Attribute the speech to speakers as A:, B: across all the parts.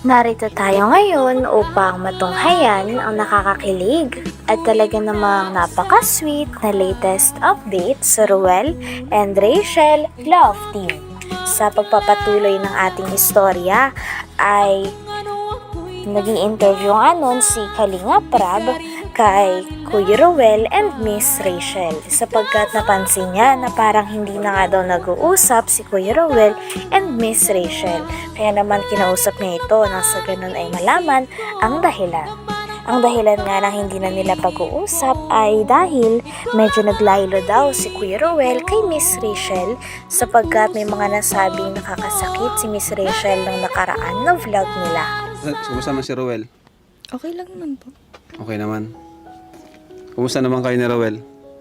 A: Narito tayo ngayon upang matunghayan ang nakakakilig at talaga namang napaka-sweet na latest update sa Ruel and Rachel Love Team. Sa pagpapatuloy ng ating istorya ay naging interview nga nun si Kalinga Prab kay Kuya Ruel and Miss Rachel sapagkat napansin niya na parang hindi na nga daw nag-uusap si Kuya Ruel and Miss Rachel. Kaya naman kinausap niya ito nang sa ganun ay malaman ang dahilan. Ang dahilan nga ng hindi na nila pag-uusap ay dahil medyo naglaylo daw si Kuya Ruel kay Miss Rachel sapagkat may mga nasabing nakakasakit si Miss Rachel ng nakaraan na vlog nila.
B: Kumusta naman si Ruel?
C: Okay lang naman po.
B: Okay naman. Kumusta naman kayo ni Ruel?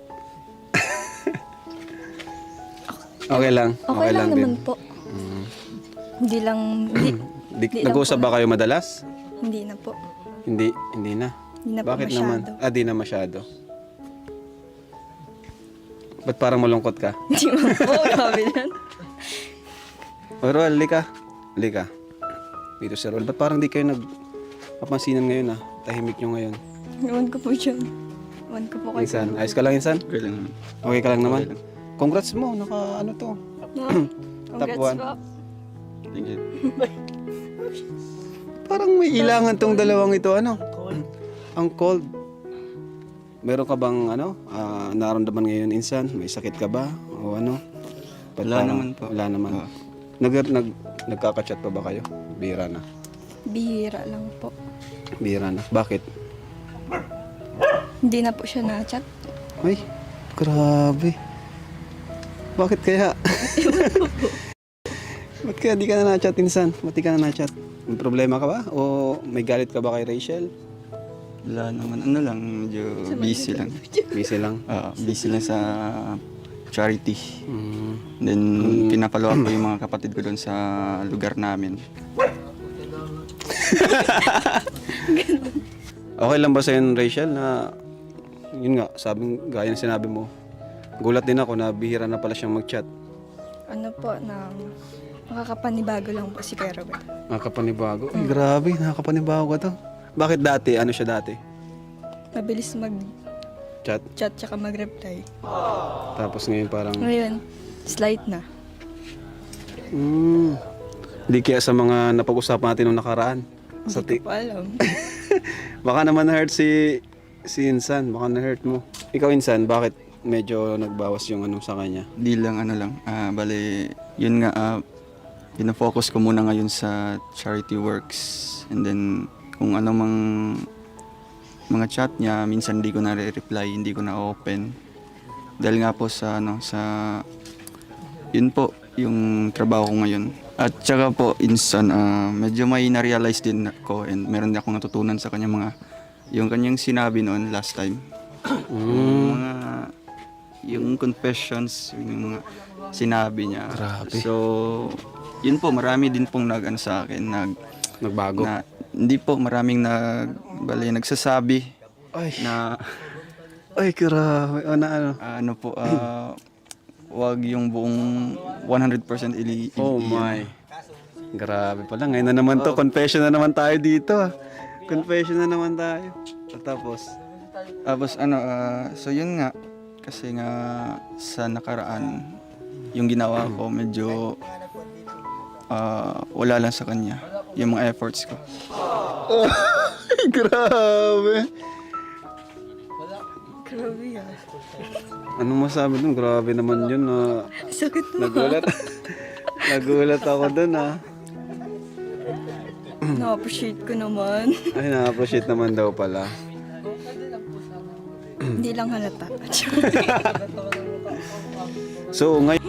B: Okay lang.
C: Okay lang naman
B: din.
C: po. Hindi lang,
B: Nag-uusap ba kayo madalas?
C: hindi na po.
B: Hindi na.
C: Hindi na po
B: Bakit
C: masyado.
B: naman? Di na masyado. Ba't parang malungkot ka?
C: Hindi man po, grabe yan.
B: O Ruel, lika. Dito si Ruel. Ba't parang di kayo nagpapansinan ngayon Tahimik nyo ngayon.
C: Iwan ko po dyan. Iwan ko po kayo.
B: Insan, ayos ka lang Insan?
D: Okay lang naman.
B: Okay ka lang naman? Congrats mo, ano to?
C: Congrats
B: one.
C: po.
D: Thank you.
B: Parang may ilangan tong dalawang ito, Ang cold. Meron ka bang, naramdaman ngayon, Insan? May sakit ka ba? O ano? Ba't
D: Wala
B: parang-
D: naman po.
B: Wala naman.
D: Oo.
B: Nagkaka-chat pa ba kayo? Bihira na.
C: Bihira lang po.
B: Bihira na. Bakit?
C: Hindi na po siya na-chat.
B: Ay, grabe. Bakit kaya? Ba't kaya di ka na na-chat, Insan? Ba't di ka na na-chat? May problema ka ba? O may galit ka ba kay Rachel?
D: Wala naman. Ano lang, medyo busy lang.
B: Busy lang.
D: Busy lang sa charity.
B: Mm.
D: Then, pinapalo up ko yung mga kapatid ko doon sa lugar namin.
B: Okay lang ba sa'yo, Rachel, na yun nga, gaya ng sinabi mo, gulat din ako na bihira na pala siyang mag-chat.
C: Ano po, na makakapanibago lang po si Kuya Robert.
B: Nakakapanibago. Ay, grabe, nakakapanibago ka to. Bakit dati? Ano siya dati?
C: Mabilis mag-chat
B: Chat.
C: tsaka mag-reply.
B: Tapos ngayon parang,
C: Ngayon, slight na.
B: di kaya sa mga napag-usapan natin nung nakaraan.
C: Hindi ko po alam.
B: Baka naman na-hurt si Insan. Baka na-hurt mo. Ikaw, Insan, bakit medyo nagbawas yung sa kanya?
D: Di lang, bali, yun nga, pinafocus ko muna ngayon sa charity works. And then, kung ano mang mga chat niya, minsan hindi ko na reply, hindi ko na open. Dahil nga po sa yun po, yung trabaho ko ngayon. At saka po, Insan, medyo may na-realize din ako and meron din akong natutunan sa kanya yung kanyang sinabi noon last time. Yung confessions, yung mga sinabi niya.
B: Grabe.
D: So, yun po, marami din pong sa akin,
B: Nagbago?
D: hindi po, maraming nagsasabi
B: Ay,
D: na
B: ay, grabe. Ano?
D: wag yung buong 100%
B: Oh my. Grabe pala. Ngayon na naman to. Confession na naman tayo dito. Confession na naman tayo. At tapos,
D: so yun nga, kasi nga sa nakaraan, yung ginawa ko medyo wala lang sa kanya, yung mga efforts ko.
B: grabe.
C: Grabe yan.
B: Ano masabi dun? Grabe naman yun.
C: Sakit na.
B: Nagulat ako dun
C: Na-appreciate ko naman.
B: Ay, na-appreciate naman daw pala.
C: Hindi lang halata.
B: So, ngayon,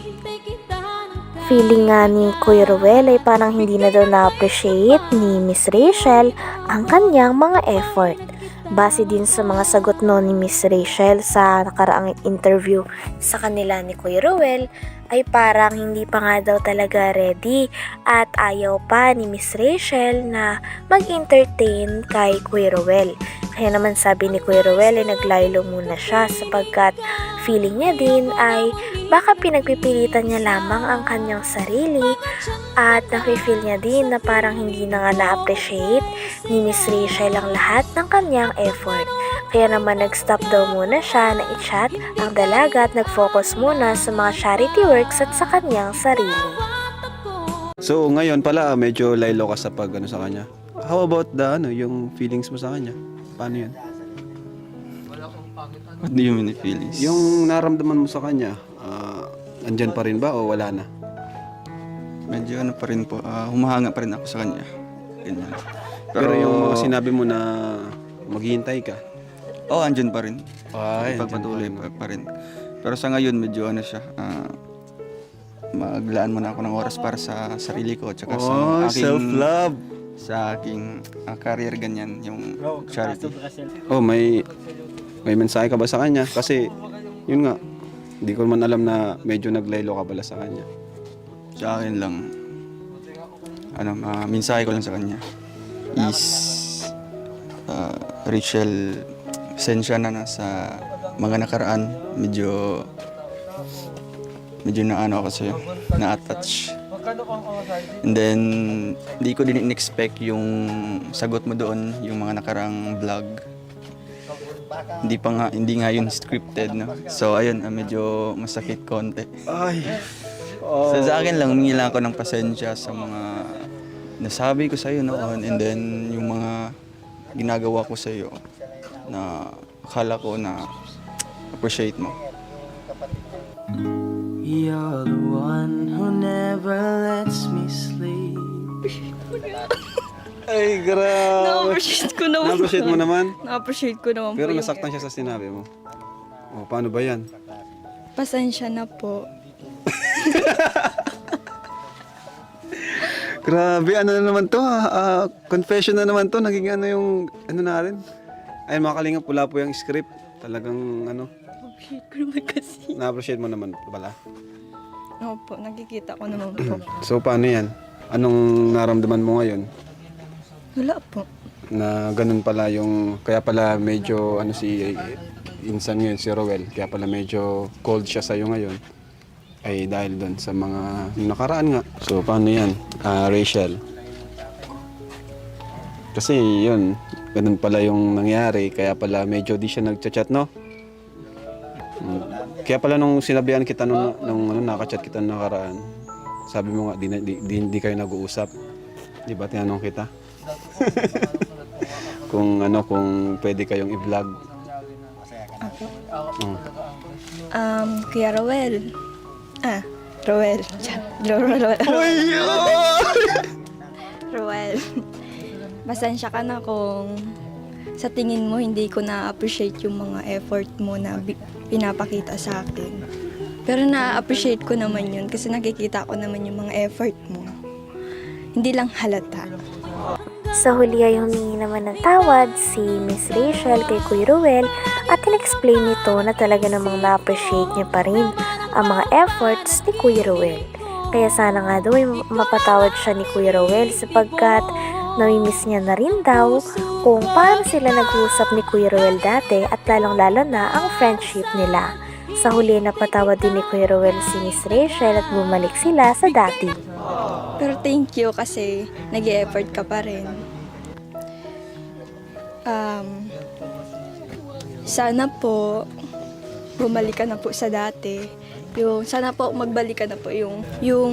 A: Feeling nga ni Kuya Ruel ay parang hindi na daw na-appreciate ni Miss Rachel ang kanyang mga effort. Base din sa mga sagot no ni Miss Rachel sa nakaraang interview sa kanila ni Kuya Ruel, ay parang hindi pa nga daw talaga ready at ayaw pa ni Miss Rachel na mag-entertain kay Kuya Ruel. Kaya naman sabi ni Kuya Ruel ay naglaylo muna siya sapagkat feeling niya din ay baka pinagpipilitan niya lamang ang kanyang sarili at nafe-feel niya din na parang hindi na nga na-appreciate ni Miss Rachel ang lahat ng kanyang effort. Kaya naman nag-stop daw muna siya na i-chat ang dalaga at nag-focus muna sa mga charity works at sa kanyang sarili.
B: So ngayon pala medyo laylo ka sa pag ano sa kanya. How about yung feelings mo sa kanya? Paano yun?
D: What do you mean feelings?
B: Yung naramdaman mo sa kanya, andyan pa rin ba o wala na?
D: Medyo ano pa rin po, humahanga pa rin ako sa kanya. Ganyan.
B: Pero yung mga sinabi mo na maghihintay ka,
D: andyan pa rin.
B: ay,
D: Pagpatuloy pa rin. Pero sa ngayon, medyo ano siya, maglaan muna ako ng oras para sa sarili ko. Tsaka sa aking,
B: self-love.
D: sa aking career, ganyan, yung charity.
B: Oh, may mensahe ka ba sa kanya? Kasi, yun nga, hindi ko man alam na medyo naglaylo ka pala sa kanya.
D: Sa akin lang, mensahe ko lang sa kanya is, Rachel, pasensya na sa mga nakaraan, medyo na-ano ako sa'yo, na-attach. And then, hindi ko din in-expect yung sagot mo doon, yung mga nakarang vlog. Hindi nga yun scripted, no? So, ayun, medyo masakit konti.
B: Ay,
D: So, sa akin lang, humingi lang ako ng pasensya sa mga nasabi ko sa'yo noon, and then yung mga ginagawa ko sa'yo na akala ko na appreciate mo.
E: You're the one who never lets me sleep.
B: ay, grabe.
C: Na-appreciate ko naman.
B: Na-appreciate mo naman?
C: Na-appreciate ko naman
B: Pero
C: po yung
B: nasaktan siya sa sinabi mo. Oh, paano ba yan?
C: pasensya na po.
B: Grabe, ano na naman to confession na naman to. Naging ano yung, ano na rin. Ayun mga kalingap, pula po yung script. Talagang
C: Appreciate ko naman kasi.
B: na-appreciate mo naman pala.
C: Opo, nakikita ko naman po.
B: So paano yan? Anong naramdaman mo ngayon?
C: Wala po.
B: Na ganun pala yung, kaya pala medyo si Insan ngayon, si Roel, kaya pala medyo cold siya sa'yo ngayon. Ay dahil doon sa mga nakaraan nga. So paano yan, Rachel? Kasi yun, ganun pala yung nangyari, kaya pala medyo di siya nagchat-chat, no? Kaya pala nung sinabihan kita nung nakachat kita nung nakaraan, sabi mo nga di kayo nag-uusap. Di ba tinanong kita? kung pwede kayong i-vlog.
C: Kuya Roel. Roel. Roel. Pasensya ka na kung sa tingin mo hindi ko na-appreciate yung mga effort mo na pinapakita sa akin. Pero na-appreciate ko naman yun kasi nakikita ko naman yung mga effort mo. Hindi lang halata.
A: Sa huli ay humingi naman ng tawad si Miss Rachel kay Kuya Ruel at in-explain nito na talaga namang na-appreciate niya pa rin ang mga efforts ni Kuya Ruel. Kaya sana nga daw ay mapatawad siya ni Kuya Ruel sapagkat namimiss niya na rin daw kung paano sila nag-uusap ni Kuya Ruel dati at lalong-lalo na ang friendship nila. Sa huli napatawad din ni Kuya Ruel si Miss Rachel at bumalik sila sa dati.
C: Pero thank you kasi nag-e-effort ka pa rin. Sana po bumalik ka na po sa dati. Sana po magbalik ka na po yung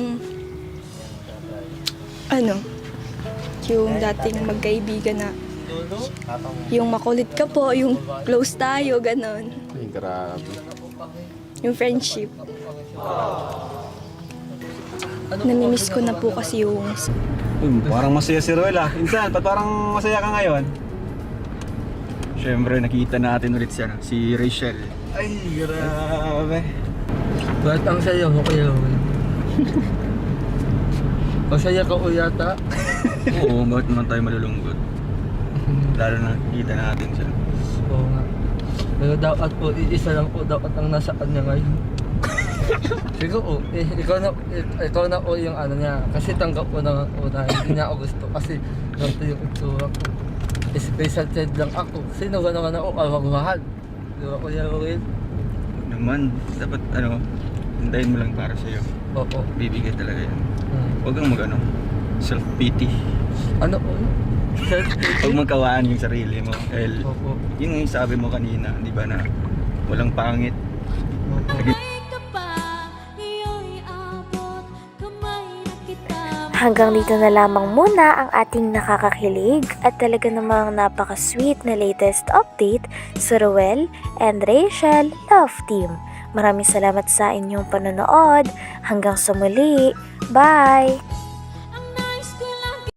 C: dating magkaibigan na yung makulit ka po, yung close tayo, ganon.
B: Ay, grabe.
C: Yung friendship. Namimiss ko na po kasi yung
B: Parang masaya si Roel Insan, ba't parang masaya ka ngayon?
D: Siyempre, nakita natin ulit si Rachel.
B: Ay, grabe.
E: Ba't ang saya mo kayo? Masaya ka o yata?
D: Oo, bakit naman tayo malulungkot? Lalo na nakita natin siya.
E: Oo nga. Pero dapat po, isa lang po dapat ang nasa kanya ngayon.
F: Siguro, ikaw na yung ano niya. Kasi tanggap ko na una, hindi niya ako gusto. Kasi ganito yung itsura ko. Special child lang ako. Sino ka naman ako, awag-mahal. Di ba, Kuya Will?
D: Naman, dapat hintayin mo lang para sa'yo.
F: Oo.
D: Bibigay talaga yan.
F: Hmm.
D: Huwag kang self-pity.
F: Ano po?
D: Huwag magkawaan yung sarili mo. Dahil
F: Opo.
D: yun yung sabi mo kanina, di ba, na walang pangit.
F: Opo.
A: Hanggang dito na lamang muna ang ating nakakakilig at talaga namang napaka-sweet na latest update sa Ruel and Rachel Love Team. Maraming salamat sa inyong panonood. Hanggang sa muli. Bye!